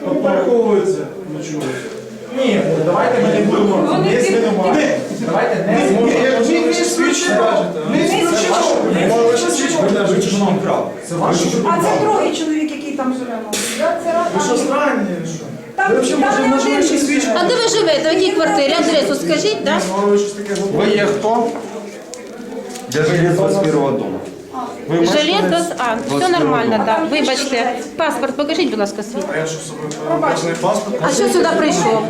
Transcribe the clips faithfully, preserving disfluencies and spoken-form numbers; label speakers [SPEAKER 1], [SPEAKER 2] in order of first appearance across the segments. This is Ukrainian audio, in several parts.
[SPEAKER 1] Враховується. Ні, давайте ми не будемо не звинувачувати. Давайте не звинувачувати.
[SPEAKER 2] Не исключено. Не исключено.
[SPEAKER 3] А це другий чоловік, який там живе.
[SPEAKER 2] Ви що, странні?
[SPEAKER 3] Там
[SPEAKER 2] Ви взагалі можливо щось свідчити?
[SPEAKER 4] А де ви живете? В якій квартирі? Адресу скажіть, так?
[SPEAKER 1] Ви є хто?
[SPEAKER 5] Я жилец двадцать первого дома.
[SPEAKER 4] Жилет без А. Все нормально, так. Вибачте. Паспорт покажіть, будь ласка, свій. А що сюди прийшов?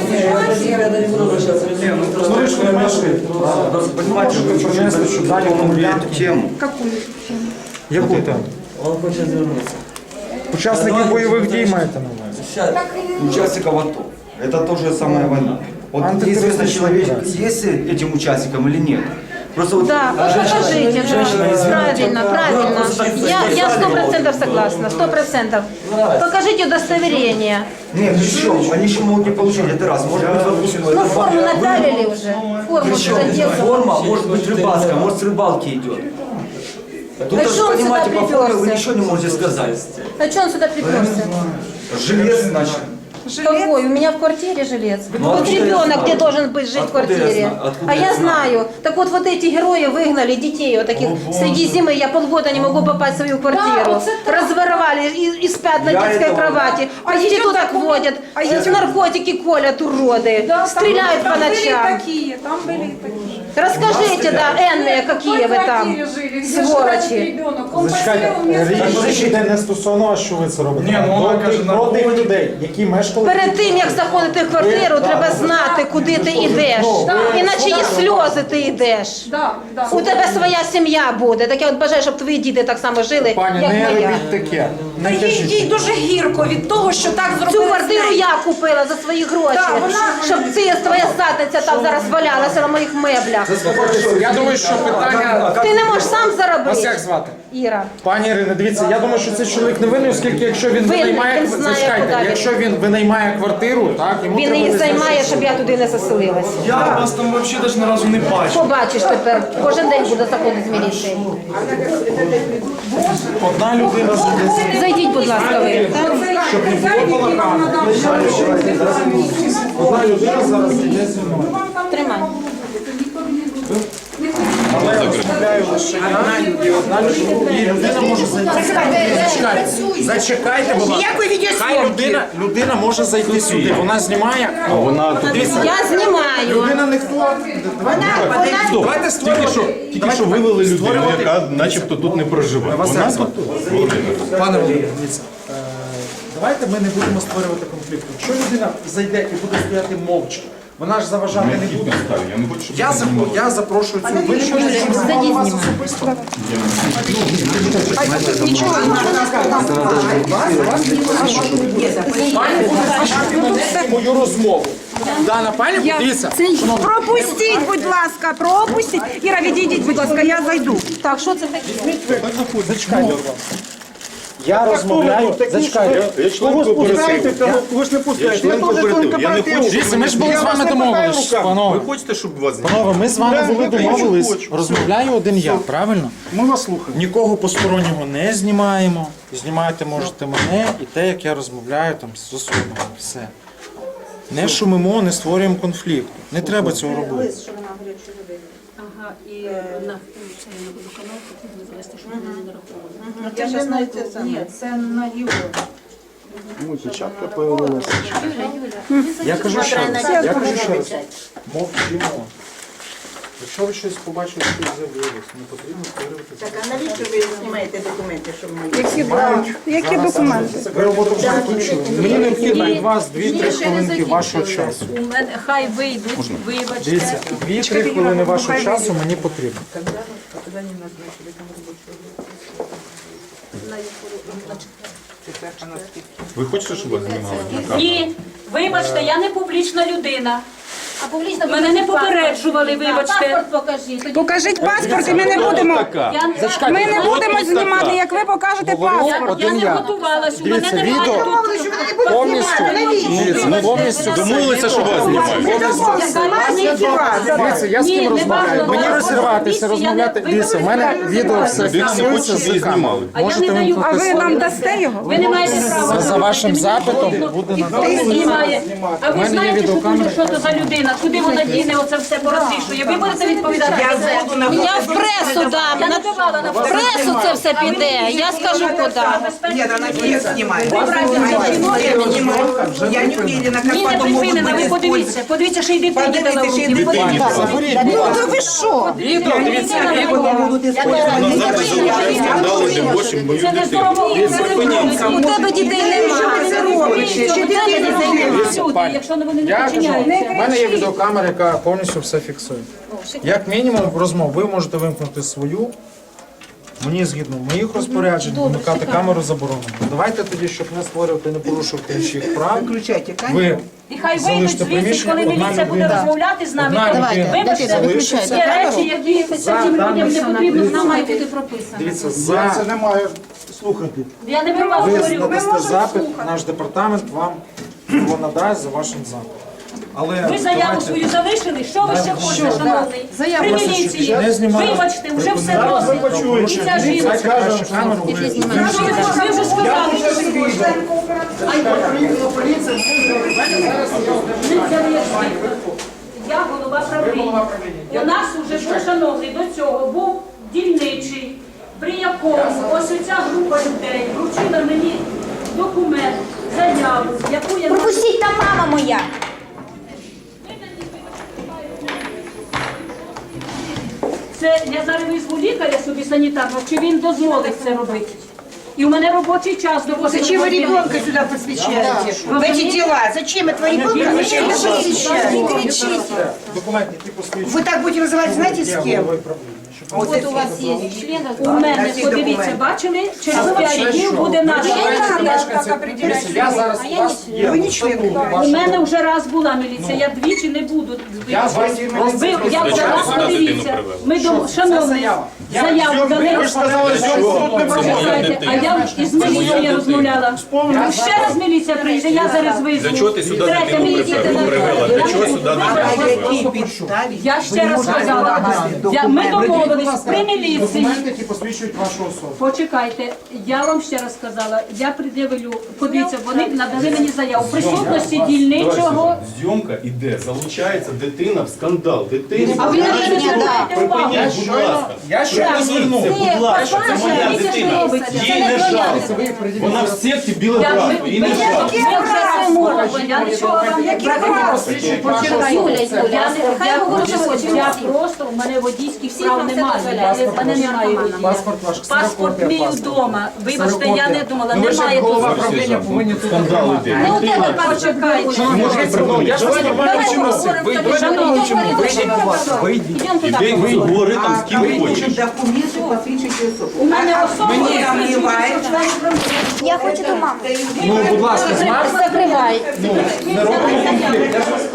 [SPEAKER 5] Понимаете, вы принесли, что дали вам эту тему.
[SPEAKER 1] Яку тему?
[SPEAKER 6] Он хоче звернутися.
[SPEAKER 1] Учасники бойових дій маєте на увазі?
[SPEAKER 5] Участников АТО. Это то же самое война. Вот неизвестно, человек, есть этим участником или нет. Просто вот
[SPEAKER 4] Да, вот покажите, да. Правильно, правильно. Я, я сто процентов согласна, сто процентов. Покажите удостоверение.
[SPEAKER 5] нет, причем, они еще могут не получить, это раз. Может быть, допустим,
[SPEAKER 4] Ну, форму надавили уже. Форму
[SPEAKER 5] причем
[SPEAKER 4] уже делали.
[SPEAKER 5] форма может быть рыбацкая, может с рыбалки идет. Тут,
[SPEAKER 4] А
[SPEAKER 5] даже,
[SPEAKER 4] что он сюда
[SPEAKER 5] понимаете, по форме вы
[SPEAKER 4] приперся?
[SPEAKER 5] ничего не можете сказать.
[SPEAKER 4] А что он сюда приперся?
[SPEAKER 5] Желез, значит.
[SPEAKER 4] Какой? У меня в квартире жилец.
[SPEAKER 5] Ну,
[SPEAKER 4] Вот
[SPEAKER 5] откуда я
[SPEAKER 4] ребенок,
[SPEAKER 5] знаю?
[SPEAKER 4] где должен быть жить в
[SPEAKER 5] Откуда я
[SPEAKER 4] квартире.
[SPEAKER 5] знаю? Откуда
[SPEAKER 4] А
[SPEAKER 5] я
[SPEAKER 4] я
[SPEAKER 5] знаю?
[SPEAKER 4] знаю. Так вот, вот эти герои выгнали детей вот таких среди зимы. Я полгода не могу попасть в свою квартиру.
[SPEAKER 3] вот это-
[SPEAKER 4] Разворовали и, и спят на
[SPEAKER 5] Я
[SPEAKER 4] детской
[SPEAKER 5] этого-
[SPEAKER 4] кровати. Проституток водят,
[SPEAKER 3] а
[SPEAKER 4] с наркотики колят уроды,
[SPEAKER 3] Да, там-
[SPEAKER 4] стреляют
[SPEAKER 3] там
[SPEAKER 4] по
[SPEAKER 3] были
[SPEAKER 4] ночам.
[SPEAKER 3] такие, там были такие.
[SPEAKER 4] Расскажите, да, энные, какие вы там, сволочи.
[SPEAKER 1] Зачекайте, річ йде не стосовно, а що ви це робите.
[SPEAKER 2] Ні, ну, вона
[SPEAKER 1] До
[SPEAKER 2] каже,
[SPEAKER 1] тих-
[SPEAKER 2] на
[SPEAKER 1] про тих
[SPEAKER 2] вході.
[SPEAKER 1] людей, які мешкали.
[SPEAKER 4] Перед тим, як заходити в квартиру, треба знати, куди ти йдеш. Іначе і сльози ти йдеш.
[SPEAKER 3] Да, да.
[SPEAKER 4] У тебе своя сім'я буде. Так я от бажаю, щоб твої діти так само жили,
[SPEAKER 1] Пані,
[SPEAKER 4] як
[SPEAKER 1] не
[SPEAKER 4] моя.
[SPEAKER 1] робіть таке.
[SPEAKER 3] Та їй, їй дуже гірко від того, що так
[SPEAKER 4] Цю
[SPEAKER 3] зробили.
[SPEAKER 4] квартиру я купила за свої гроші,
[SPEAKER 3] Так, вона-
[SPEAKER 4] щоб ці твоя задниця там зараз валялася на моїх меблях.
[SPEAKER 1] Я думаю, що питання...
[SPEAKER 4] Ти не можеш сам
[SPEAKER 1] Вас як
[SPEAKER 4] заробити,
[SPEAKER 1] звати?
[SPEAKER 4] Іра.
[SPEAKER 1] Пані Ірино, дивіться, я думаю, що цей чоловік не винний, оскільки якщо він
[SPEAKER 4] Винний,
[SPEAKER 1] винаймає,
[SPEAKER 4] він знає,
[SPEAKER 1] зачекайте,
[SPEAKER 4] куди він.
[SPEAKER 1] якщо він винаймає квартиру, так, йому
[SPEAKER 4] Він
[SPEAKER 1] треба
[SPEAKER 4] її
[SPEAKER 1] визначити,
[SPEAKER 4] займає,
[SPEAKER 1] що-
[SPEAKER 4] щоб я туди не заселилася.
[SPEAKER 2] Я вас там взагалі навіть ні разу не бачив.
[SPEAKER 4] Побачиш тепер, кожен день буду заходити з міліції.
[SPEAKER 1] Одна людина з
[SPEAKER 4] Зайдіть, будь ласка, ви. так?
[SPEAKER 1] Одна людина зараз йде зі мною.
[SPEAKER 4] Тримай.
[SPEAKER 1] Але я розмовляю лише я і одна людина. І людина може зайти. Зачекайте, зачекайте, будь ласка. Хай людина, людина може зайти сюди. Вона знімає. А вона тут.
[SPEAKER 4] Я знімаю.
[SPEAKER 1] Людина не хто. Давайте створювати.
[SPEAKER 7] Тільки що вивели людину, яка начебто тут не проживає. Вона тут.
[SPEAKER 1] Пане Володимире, дивіться, е, давайте ми не будемо створювати конфлікту. Якщо людина зайде і буде стояти мовчки, вона ж заважати не буде.
[SPEAKER 7] Я не хочу, щоб
[SPEAKER 1] Я, запро- я запрошую цю. Ви не можете, щоб знімали вас особисто. Пані буде слухати мою розмову. Дана, пані, дивіться.
[SPEAKER 3] Пропустіть, будь ласка, пропустіть. Іра, відійдіть, будь ласка, я зайду.
[SPEAKER 4] Так, що це таке?
[SPEAKER 1] Зачекайте. Я розмовляю. Зачекайте.
[SPEAKER 7] Я член кооперативу.
[SPEAKER 2] Ви ж не
[SPEAKER 7] Я
[SPEAKER 2] пускаєте.
[SPEAKER 7] член кооперативу. Я не хочу.
[SPEAKER 1] Дивіться, ми ж були з вами домовились,
[SPEAKER 7] Ви
[SPEAKER 1] панове.
[SPEAKER 7] хочете, щоб вас
[SPEAKER 1] Панове, ми з вами були домовились. Розмовляю один я, правильно?
[SPEAKER 2] Ми вас слухаємо.
[SPEAKER 1] Нікого постороннього не знімаємо. Знімати можете мене і те, як я розмовляю там з особами. Все. Не шумимо, не створюємо конфлікту. Не треба цього робити.
[SPEAKER 8] Ага, і на це на водоканал потрібно завести, щоб вони не рахували.
[SPEAKER 3] Я зараз знаю це саме. Ні, це на його.
[SPEAKER 2] Ну, печатка появилася.
[SPEAKER 1] Я кажу ще раз. Я кажу ще раз. Мовчимо. Якщо ви щось побачите, що з'явилось, не потрібно створювати це.
[SPEAKER 9] Так, а навіщо ви знімаєте документи, що ми...
[SPEAKER 3] Які, які документи?
[SPEAKER 1] Ви роботу вже закінчили. Мені необхідно від вас дві-три хвилинки вашого часу.
[SPEAKER 8] У мене хай вийдуть, вибачте.
[SPEAKER 1] Дивіться, дві-три хвилини вашого часу мені потрібно.
[SPEAKER 7] Ви хочете, щоб вас знімали на камеру?
[SPEAKER 8] Ні, вибачте, я не публічна людина.
[SPEAKER 4] А публічно
[SPEAKER 8] Мене не
[SPEAKER 4] покажіть
[SPEAKER 8] попереджували,
[SPEAKER 4] паспорт.
[SPEAKER 8] вибачте.
[SPEAKER 4] Паспорт покажіть. Тоді-
[SPEAKER 3] Покажіть паспорт і ми не будемо.
[SPEAKER 8] Я,
[SPEAKER 3] Ми не будемо знімати, як ви покажете
[SPEAKER 8] я,
[SPEAKER 3] паспорт.
[SPEAKER 8] я не готувалась, у мене
[SPEAKER 1] Дивіться,
[SPEAKER 8] немає
[SPEAKER 1] відео
[SPEAKER 8] тут.
[SPEAKER 1] повністю. Дивіться, повністю
[SPEAKER 7] Домовилися, що вас знімають.
[SPEAKER 1] Дивіться, я з
[SPEAKER 4] Ні,
[SPEAKER 1] ким
[SPEAKER 4] не
[SPEAKER 1] розмовляю.
[SPEAKER 4] важливо.
[SPEAKER 1] Мені
[SPEAKER 4] Я
[SPEAKER 1] розірватися,
[SPEAKER 4] я
[SPEAKER 1] розмовляти.
[SPEAKER 4] не-
[SPEAKER 1] Дивіться, в мене відео все
[SPEAKER 7] Людина не
[SPEAKER 1] фіксується
[SPEAKER 7] хоче, щоб
[SPEAKER 1] з
[SPEAKER 7] її
[SPEAKER 1] камери.
[SPEAKER 7] знімали.
[SPEAKER 4] А я
[SPEAKER 1] Можете
[SPEAKER 4] не даю.
[SPEAKER 1] вимкнути
[SPEAKER 3] А ви
[SPEAKER 1] свою.
[SPEAKER 3] нам дасте його?
[SPEAKER 4] Ви не маєте права.
[SPEAKER 1] За вашим запитом буде
[SPEAKER 4] І
[SPEAKER 1] на
[SPEAKER 4] хто знімає. А ви
[SPEAKER 1] мене є
[SPEAKER 4] знаєте, що,
[SPEAKER 1] відеокамера.
[SPEAKER 4] дуже- що це за людина? Куди вона діне оце все порозрішує? Ви будете відповідати за це?
[SPEAKER 6] Я в пресу дам.
[SPEAKER 4] Я
[SPEAKER 6] На
[SPEAKER 4] не давала на
[SPEAKER 6] в пресу це все піде. Я скажу куди.
[SPEAKER 9] Нет, она всех снимает.
[SPEAKER 4] Ви брате за жінок.
[SPEAKER 9] Я не уверена, как
[SPEAKER 4] Ні, не
[SPEAKER 9] потом могут
[SPEAKER 4] припинена, ви
[SPEAKER 9] быть
[SPEAKER 4] подивіться. Подивіться, що й дитині
[SPEAKER 9] Подивіться,
[SPEAKER 4] дала в
[SPEAKER 9] ще й
[SPEAKER 4] руки.
[SPEAKER 9] дитині
[SPEAKER 4] Подивіться.
[SPEAKER 3] Ну то ви що?
[SPEAKER 1] Відео, дивіться, відео.
[SPEAKER 7] Вона завжди залучає скандали для восім мою
[SPEAKER 4] Це не
[SPEAKER 7] дитину.
[SPEAKER 4] здорово.
[SPEAKER 6] У тебе дітей немає.
[SPEAKER 4] Якщо вони не
[SPEAKER 1] Я кажу,
[SPEAKER 4] починяються.
[SPEAKER 1] в мене є відеокамера, яка повністю все фіксує. Як мінімум розмов, ви можете вимкнути свою. Мені згідно моїх розпоряджень, вмикати камеру заборонено. Давайте тоді, щоб не створювати, не порушувати інших прав.
[SPEAKER 9] Включайте камеру.
[SPEAKER 1] Ви
[SPEAKER 4] І хай вийдуть
[SPEAKER 1] залиште
[SPEAKER 4] звідси,
[SPEAKER 1] приміщення,
[SPEAKER 4] коли
[SPEAKER 1] одна
[SPEAKER 4] міліція буде
[SPEAKER 1] людина.
[SPEAKER 4] розмовляти з нами.
[SPEAKER 1] Одна
[SPEAKER 4] Давайте,
[SPEAKER 1] людина
[SPEAKER 4] вибачте,
[SPEAKER 1] залишиться.
[SPEAKER 4] є речі, які цим людям не потрібно, нам має бути прописано.
[SPEAKER 1] Дивіться, за
[SPEAKER 2] Це немає слухати.
[SPEAKER 4] Я не про вас
[SPEAKER 1] ви
[SPEAKER 4] говорю.
[SPEAKER 1] надасте запит, наш департамент вам його надасть за вашим запитом. Але
[SPEAKER 4] Ви заяву
[SPEAKER 1] давайте-
[SPEAKER 4] свою залишили, що ви ще хочете, шановний? При міліції.
[SPEAKER 1] Не знімали.
[SPEAKER 4] Вибачте, вже все досить. І ця жінка.
[SPEAKER 1] Дайте краще камеру, ви-
[SPEAKER 4] Ви вже сказали, що ви хочете. Я голова правління. У нас вже був, шановний, до цього був дільничий, при якому ось оця група людей вручила мені документ, заяву, яку я...
[SPEAKER 6] Пропустіть, там мама моя.
[SPEAKER 4] Це я зараз визву лікаря собі санітарного, чи він дозволить це робити. І у мене робочий час до восьми
[SPEAKER 9] Зачем вы
[SPEAKER 4] годин.
[SPEAKER 9] ребенка сюда посвящаете? В эти дела? Зачем этого ребенка вы сюда посвящаете? Не кричите.
[SPEAKER 1] документ, який посвідчує.
[SPEAKER 9] Вы так будете вызывать, знаете, с кем?
[SPEAKER 6] От у вас є член.
[SPEAKER 4] У мене,
[SPEAKER 9] Всі
[SPEAKER 4] подивіться,
[SPEAKER 9] документи.
[SPEAKER 4] бачили, через п'ять днів буде наш.
[SPEAKER 1] Я зараз у вас є.
[SPEAKER 9] Вы не член.
[SPEAKER 4] У мене вже раз була міліція, я двічі не буду.
[SPEAKER 1] Я з вас просто
[SPEAKER 4] Ви, я вже раз
[SPEAKER 7] сюди дитину
[SPEAKER 4] подивіться.
[SPEAKER 7] привели?
[SPEAKER 4] Ми до шановний, заяву дали.
[SPEAKER 2] Ви ж сказали, що тут не
[SPEAKER 4] Чекайте, а я із міліцією розмовляла. Ще раз міліція прийде, я зараз визву.
[SPEAKER 7] Для чого ти сюди
[SPEAKER 4] Третя
[SPEAKER 7] дитину
[SPEAKER 4] міліція
[SPEAKER 7] привела? привела? Для чого сюди дитину привела?
[SPEAKER 4] Я ще раз сказала, я, ми домовились при міліції.
[SPEAKER 1] Документи, які посвідчують вашу особу.
[SPEAKER 4] Почекайте, я вам ще раз сказала, я пред'явлю, подивіться, вони надали мені заяву. В присутності дільничого.
[SPEAKER 7] Зйомка іде, залучається дитина в скандал. Дитина.
[SPEAKER 4] А ви не звертаєте увагу.
[SPEAKER 7] Припиніть, будь ласка.
[SPEAKER 1] Я ще раз звернув.
[SPEAKER 7] Припиніть, будь ласка, це моя
[SPEAKER 4] Дивіться, що
[SPEAKER 7] дитина.
[SPEAKER 4] робиться. Це
[SPEAKER 7] Їй
[SPEAKER 4] не
[SPEAKER 7] не
[SPEAKER 4] твоя
[SPEAKER 7] жалко.
[SPEAKER 4] дитина.
[SPEAKER 7] Вона в секті біле
[SPEAKER 4] Я,
[SPEAKER 7] братство.
[SPEAKER 4] ви,
[SPEAKER 7] Їй
[SPEAKER 4] ви,
[SPEAKER 7] не
[SPEAKER 4] ви
[SPEAKER 7] жалко.
[SPEAKER 4] вже це мова, я нічого вам не
[SPEAKER 1] Посвідчують вашу особу.
[SPEAKER 4] Юля, Юля, я, не- я, просто, я просто, у мене водійських прав немає, я мене немає водія.
[SPEAKER 1] Паспорт ваш,
[SPEAKER 4] Паспорт
[SPEAKER 1] ксерокопія
[SPEAKER 4] мій
[SPEAKER 1] паспорту.
[SPEAKER 4] вдома. Вибачте, я не думала,
[SPEAKER 1] Ну ви ж
[SPEAKER 4] немає
[SPEAKER 1] як голова
[SPEAKER 4] тут.
[SPEAKER 1] правління повинні тут
[SPEAKER 7] Скандал
[SPEAKER 1] тримати.
[SPEAKER 7] іде.
[SPEAKER 4] Ну, у тебе почекайте.
[SPEAKER 1] Можете придумати. Я ж вас нормально вчимо носити. Ви
[SPEAKER 4] Шановні,
[SPEAKER 1] вийдіть, будь ласка, вийдіть.
[SPEAKER 4] Ідемо туди.
[SPEAKER 7] Іди, ви говори там з ким хочеш.
[SPEAKER 9] Документы посвящаете особу.
[SPEAKER 4] У мене особа
[SPEAKER 9] Мені
[SPEAKER 4] є,
[SPEAKER 9] там немає.
[SPEAKER 6] Я хочу до мами.
[SPEAKER 1] Ну, будь ласка, з мамою
[SPEAKER 6] Закривай.
[SPEAKER 1] не робимо конфлікт. Я ж вас